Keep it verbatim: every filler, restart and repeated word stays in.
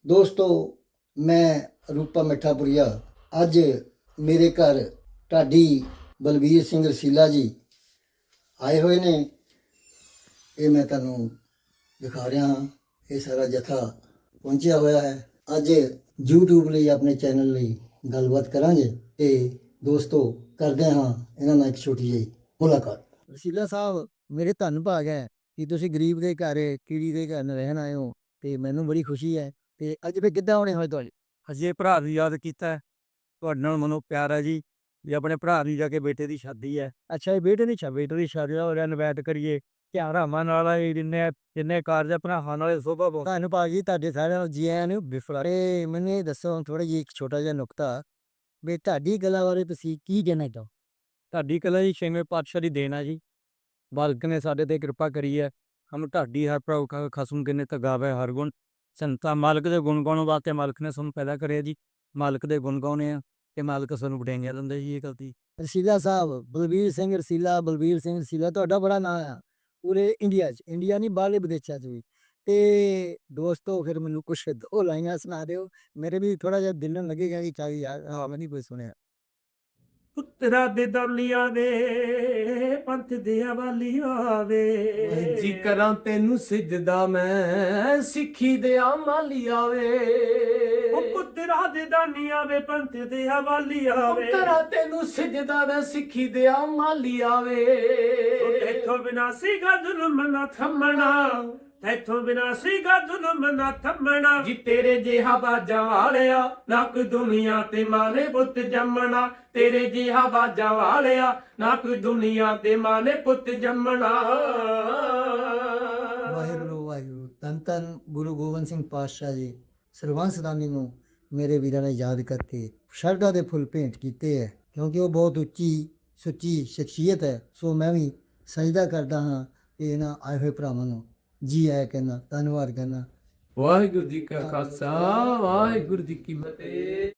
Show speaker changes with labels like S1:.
S1: ਦੋਸਤੋ, ਮੈਂ ਰੂਪਾ ਮਿੱਠਾਪੁਰੀਆ ਅੱਜ ਮੇਰੇ ਘਰ ਢਾਡੀ ਬਲਬੀਰ ਸਿੰਘ ਰਸੀਲਾ ਜੀ ਆਏ ਹੋਏ ਨੇ। ਇਹ ਮੈਂ ਤੁਹਾਨੂੰ ਦਿਖਾ ਰਿਹਾ ਹਾਂ। ਇਹ ਸਾਰਾ ਜਥਾ ਪਹੁੰਚਿਆ ਹੋਇਆ ਹੈ। ਅੱਜ YouTube ਲਈ ਆਪਣੇ ਚੈਨਲ ਲਈ ਗੱਲਬਾਤ ਕਰਾਂਗੇ ਤੇ ਦੋਸਤੋ ਕਰਦੇ ਹਾਂ ਇਹਨਾਂ ਨਾਲ ਇੱਕ ਛੋਟੀ ਜਿਹੀ ਮੁਲਾਕਾਤ। ਰਸੀਲਾ ਸਾਹਿਬ, ਮੇਰੇ ਧੰਨ ਭਾਗ ਹੈ ਕਿ ਤੁਸੀਂ ਗਰੀਬ ਦੇ ਘਰ ਕੀੜੀ ਦੇ ਘਰ ਰਹਿਣ ਆਏ ਹੋ ਤੇ ਮੈਨੂੰ ਬੜੀ ਖੁਸ਼ੀ ਹੈ। ਤੇ ਅੱਜ ਫਿਰ ਕਿੱਦਾਂ ਆਉਣੇ ਹੋਏ ਤੁਹਾਡੇ?
S2: ਅਜੇ ਭਰਾ ਨੂੰ ਯਾਦ ਕੀਤਾ ਹੈ। ਤੁਹਾਡੇ ਨਾਲ ਮਨੋਂ ਪਿਆਰ ਹੈ ਜੀ ਵੀ ਆਪਣੇ ਭਰਾ ਨੂੰ ਜਾ ਕੇ ਬੇਟੇ ਦੀ ਸ਼ਾਦੀ ਹੈ।
S1: ਅੱਛਾ, ਇਹ ਬੇਟੇ ਦੀ ਛਾ
S2: ਬੇਟੇ ਦੀ ਸ਼ਾਦੀ ਦਾ ਹੋਰ ਇਨਵਾਈਟ ਕਰੀਏ ਧਿਆਨ ਰਾਮਾਂ ਨਾਲ ਇਹ ਜਿੰਨੇ ਜਿੰਨੇ ਕਾਰਜ ਭਰਾਵਾਂ ਨਾਲ ਸੋਭਾ ਪਾਉਂਦਾ।
S1: ਧੰਨ ਭਾਗ ਜੀ, ਤੁਹਾਡੇ ਸਾਰਿਆਂ ਨੂੰ ਜੀ ਆਇਆਂ ਨੂੰ। ਬਿਫਲਾ ਤੇ ਮੈਨੂੰ ਇਹ ਦੱਸੋ ਥੋੜਾ ਜਿਹਾ ਇੱਕ ਛੋਟਾ ਜਿਹਾ ਨੁਕਤਾ ਵੀ ਤੁਹਾਡੀ ਕਲਾ ਬਾਰੇ ਤੁਸੀਂ ਕੀ ਕਹਿਣਾ ਚਾਹੋ?
S2: ਢਾਡੀ ਕਲਾ ਜੀ ਛੇਵੇਂ ਪਾਤਸ਼ਾਹ ਦੀ ਦੇਣ ਆ ਜੀ। ਮਾਲਕ ਨੇ ਸਾਡੇ ਤੇ ਕਿਰਪਾ ਕਰੀ ਹੈ। ਹਮ ਢਾਡੀ ਹਰ ਪ੍ਰਭ ਖਸਮ ਕਿਨੇ ਤਾਂ ਗਾਵੇ ਹਰ ਗੁਣ। ਸੰਤਾਂ ਮਾਲਕ ਦੇ ਗੁਣ ਗਾਉਣ ਵਾਸਤੇ ਮਾਲਕ ਨੇ ਸਾਨੂੰ ਪੈਦਾ ਕਰਿਆ ਜੀ। ਮਾਲਕ ਦੇ ਗੁਣ ਗਾਉਣੇ ਆ ਤੇ ਮਾਲਕ ਸਾਨੂੰ ਵਡਿਆਈਆਂ ਦਿੰਦਾ ਜੀ। ਇਹ ਗਲਤੀ
S1: ਰਸੀਲਾ ਸਾਹਿਬ, ਬਲਬੀਰ ਸਿੰਘ ਰਸੀਲਾ, ਬਲਬੀਰ ਸਿੰਘ ਰਸੀਲਾ ਤੁਹਾਡਾ ਬੜਾ ਨਾਂ ਆ ਪੂਰੇ ਇੰਡੀਆ 'ਚ, ਇੰਡੀਆ ਨਹੀਂ ਬਾਹਰਲੇ ਵਿਦੇਸ਼ਾਂ 'ਚ ਵੀ। ਤੇ ਦੋਸਤੋ ਫਿਰ ਮੈਨੂੰ ਕੁਛ ਦੋ ਲਾਈਨਾਂ ਸੁਣਾ ਦਿਓ, ਮੇਰੇ ਵੀ ਥੋੜਾ ਜਿਹਾ ਦਿਲ ਨੂੰ ਲੱਗੇਗਾ ਕਿ ਚਾਹੀ ਯਾਰ ਹਾਂ ਮੈਂ ਨਹੀਂ ਕੋਈ ਸੁਣਿਆ।
S2: ਪੁੱਤਰਾ ਦੇ ਦੌਲੀਆਂ ਵੇ ਪੰਥ ਦੇ ਹਵਾਲੀਆਂ ਵੇ
S3: ਜੀ ਕਰਾਂ ਤੈਨੂੰ ਸਿਜਦਾ ਮੈਂ ਸਿੱਖੀ ਦੇ ਮਾਲੀਆ ਵੇ।
S2: ਉਹ ਪੁੱਤਰਾ ਦੇ ਦਾਨੀਆਂ ਵੇ ਪੰਥ ਦੇ ਹਵਾਲੀਆਂ ਵੇ
S3: ਕਰਾਂ ਤੈਨੂੰ ਸਿਜਦਾ ਮੈਂ ਸਿੱਖੀ ਦੇ ਮਾਲੀਆ ਵੇ।
S2: ਇੱਥੋਂ ਬਿਨਾ ਸੀਗਾ ਜ਼ੁਲਮ ਨਾ ਥੰਮਣਾ, ਇੱਥੋਂ ਬਿਨਾ ਸੀਗਾ ਜ਼ੁਲਮ ਨਾ ਥੰਮਣਾ।
S3: ਜੀ ਤੇਰੇ ਜਿਹਾ ਬਾਜਾਂ ਵਾਲਿਆ ਨਾ ਕੋਈ ਦੁਨੀਆ ਤੇ ਮਾਨੇ ਪੁੱਤ ਜੰਮਣਾ। ਤੇਰੇ ਜਿਹਾ ਬਾਜਾਂ ਵਾਲਿਆ ਨਾ ਕੋਈ ਦੁਨੀਆ ਤੇ ਮਾਨੇ ਪੁੱਤ ਜੰਮਣਾ।
S1: ਵਾਹਿਗੁਰੂ ਵਾਹਿਗੁਰੂ। ਧੰਨ ਧੰਨ ਗੁਰੂ ਗੋਬਿੰਦ ਸਿੰਘ ਪਾਤਸ਼ਾਹ ਜੀ ਸਰਬੰਸ ਦਾਨੀ ਨੂੰ ਮੇਰੇ ਵੀਰਾਂ ਨੇ ਯਾਦ ਕਰਕੇ ਸ਼ਰਧਾ ਦੇ ਫੁੱਲ ਭੇਂਟ ਕੀਤੇ ਹੈ, ਕਿਉਂਕਿ ਉਹ ਬਹੁਤ ਉੱਚੀ ਸੁੱਚੀ ਸ਼ਖਸੀਅਤ ਹੈ। ਸੋ ਮੈਂ ਵੀ ਸਜਦਾ ਕਰਦਾ ਹਾਂ ਕਿ ਇਹਨਾਂ ਆਏ ਹੋਏ ਭਰਾਵਾਂ ਨੂੰ ਜੀ ਆਇਆ ਕਹਿੰਦਾ, ਧੰਨਵਾਦ ਕਹਿੰਦਾ।
S3: ਵਾਹਿਗੁਰੂ ਜੀ ਕਾ ਖਾਲਸਾ ਵਾਹਿਗੁਰੂ ਜੀ ਕੀ ਫਤਿਹ।